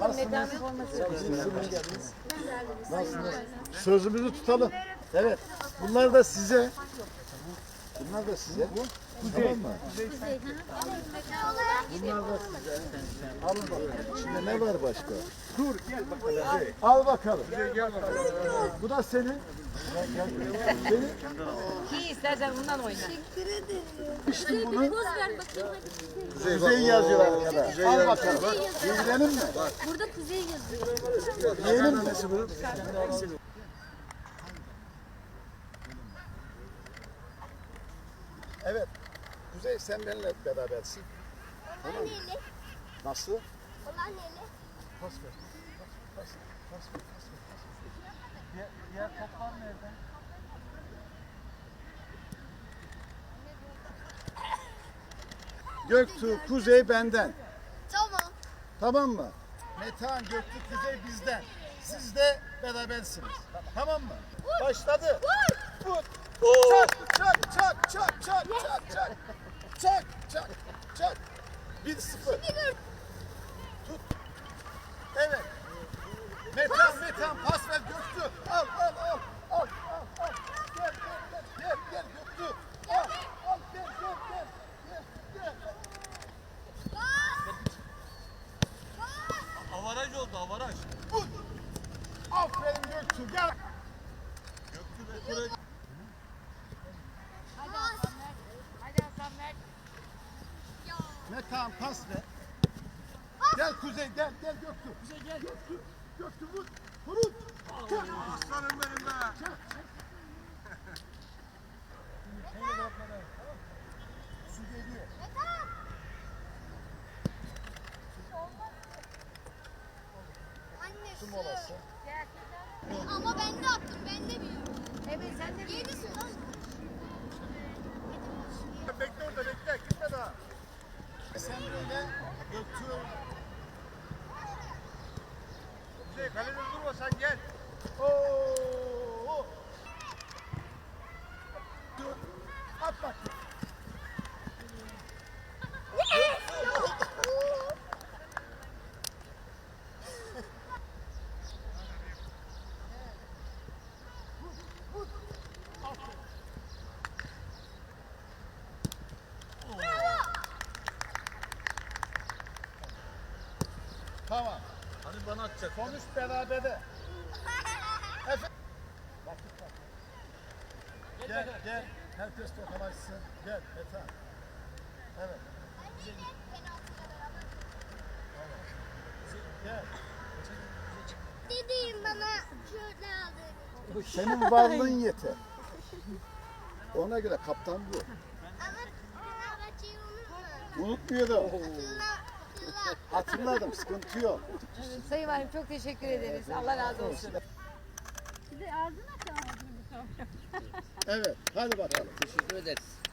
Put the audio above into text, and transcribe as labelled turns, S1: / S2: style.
S1: bakalım Metehan'ın forması.
S2: Nasılsınız? Sözümüzü tutalım. Evet. Bunlar da size. Bunlar da size. Tamam mı? Bunlar da size. Alın bakalım. İçinde ne var başka?
S3: Dur gel bakalım.
S2: Al bakalım.
S3: Gel bakalım.
S2: Bu da senin. Senin.
S1: Ki istersen bundan oyna.
S2: İşte bunu.
S4: Poz ver bakayım hadi.
S2: Kuzey yazıyor arkada. Al bakalım. Yiyelim mi?
S4: Burada kuzey yazıyor.
S2: Yiyelim mi? Evet. Kuzey sen benimle berabersin.
S5: Olan neyli?
S2: Nasıl?
S5: Olan neyli?
S2: Pas ver. Pas ver. Pas ver. Pas ver.
S3: Diğer toplar nerede?
S2: Göktuğ, Kuzey benden.
S5: Tamam.
S2: Tamam mı? Metehan, Göktuğ, Kuzey bizden. Siz de berabersiniz. Tamam mı? Başladı. Vur. Çak, çak, çak, çak, çak, çak, çak. Çak, çak, çak. 1-0. Tut. Evet. Metehan pas ver Göktuğ. Al. Gel Göktuğ. Al, gel.
S3: Avaraj oldu avaraj.
S2: Vur. Aferin Göktuğ. Gel. Metehan pas ver. Gel Kuzey gel Göktuğ. Kuzey gel. Göktuğ vur. Vurun.
S3: Aslanım benim be.
S2: Su geliyor.
S5: Anne
S2: Su
S5: su.
S2: molası.
S5: Ama ben de attım. Ben de büyüyorum.
S1: Evet sen de
S5: Yedi su lan.
S2: Bekle orada bekle. Gitme daha. Sen böyle Göktuğ.
S3: Kuzey kalede durma sen gel.
S2: Oo. Dur. At bak. Tamam.
S3: Hani bana atacak.
S2: Sonuç berabere. Vakit var. Gel. Herkes tokalaşsın. Gel Metehan. Evet.
S5: Anneyle penaltıyla beraber.
S2: Gel.
S5: Dediğim bana şöyle aldı.
S2: Senin varlığın yeter. Ona göre kaptan bu.
S5: Ama Fenerbahçe'yi unutma.
S2: Unutmuyorum.
S5: Hatırla.
S2: Hatırladım. Sıkıntı yok.
S1: Sayın Valim çok teşekkür ederiz. Allah razı olsun.
S4: Bir de ağzına çağırdın bu kavga.
S2: Evet. Hadi bakalım.
S6: Teşekkür ederiz.